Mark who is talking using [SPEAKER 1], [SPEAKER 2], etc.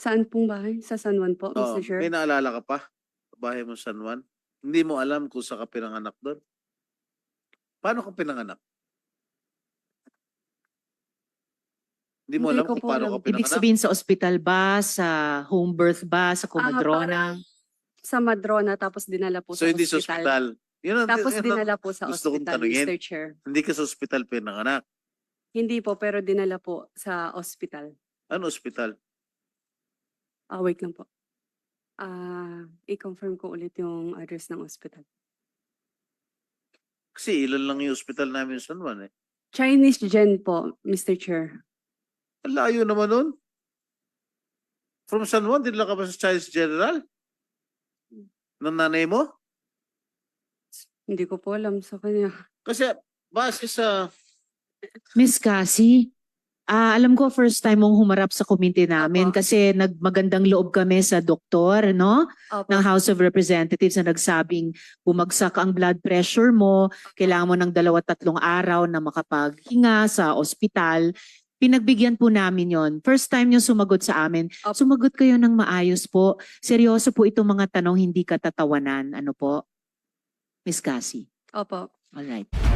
[SPEAKER 1] Saan pong bahay? Sa San Juan po,
[SPEAKER 2] Oo,
[SPEAKER 1] Mr. Chair?
[SPEAKER 2] may naalala ka pa? Bahay mo San Juan? Hindi mo alam kung saan ka pinanganak doon? Paano ka pinanganak? Hindi mo
[SPEAKER 1] Hindi
[SPEAKER 2] alam
[SPEAKER 1] ko
[SPEAKER 2] kung
[SPEAKER 1] po
[SPEAKER 2] paano
[SPEAKER 1] alam.
[SPEAKER 2] ka
[SPEAKER 3] Ibig
[SPEAKER 2] pinanganak?
[SPEAKER 3] sabihin sa ospital ba, sa home birth ba, sa Comadrona?
[SPEAKER 1] Sa Madrona, tapos dinala po
[SPEAKER 2] So
[SPEAKER 1] sa
[SPEAKER 2] hindi sa
[SPEAKER 1] ospital.
[SPEAKER 2] ospital. Yun ang,
[SPEAKER 1] Tapos
[SPEAKER 2] yun ang
[SPEAKER 1] dinala po sa
[SPEAKER 2] gusto kong
[SPEAKER 1] ospital,
[SPEAKER 2] tanungin.
[SPEAKER 1] Mr. Chair.
[SPEAKER 2] Hindi ka sa ospital pinanganak.
[SPEAKER 1] Hindi po, pero dinala po sa ospital.
[SPEAKER 2] Ano ospital?
[SPEAKER 1] Wait lang po. I-confirm ko ulit yung address ng ospital.
[SPEAKER 2] Kasi ilan lang yung ospital namin sa San Juan eh.
[SPEAKER 1] Chinese Gen po, Mr. Chair.
[SPEAKER 2] Ang layo naman nun. From San Juan, dinala ka ba sa Chinese General? Ng nanay mo?
[SPEAKER 1] Hindi ko po alam sa kanya.
[SPEAKER 2] Kasi base sa...
[SPEAKER 3] Miss Cassie, alam ko first time mong humarap sa komite namin
[SPEAKER 1] Opo.
[SPEAKER 3] kasi nagmagandang loob kami sa doktor, no?
[SPEAKER 1] Opo.
[SPEAKER 3] Ng House of Representatives na nagsabing bumagsak ang blood pressure mo, kailangan mo ng 2-3 araw na makapaghinga sa ospital. Pinagbigyan po namin yon. First time nyo sumagot sa amin.
[SPEAKER 1] Opo.
[SPEAKER 3] Sumagot kayo ng maayos po. Seryoso po itong mga tanong, hindi katatawanan. Ano po? Miss Cassie.
[SPEAKER 1] Opo.
[SPEAKER 3] Alright.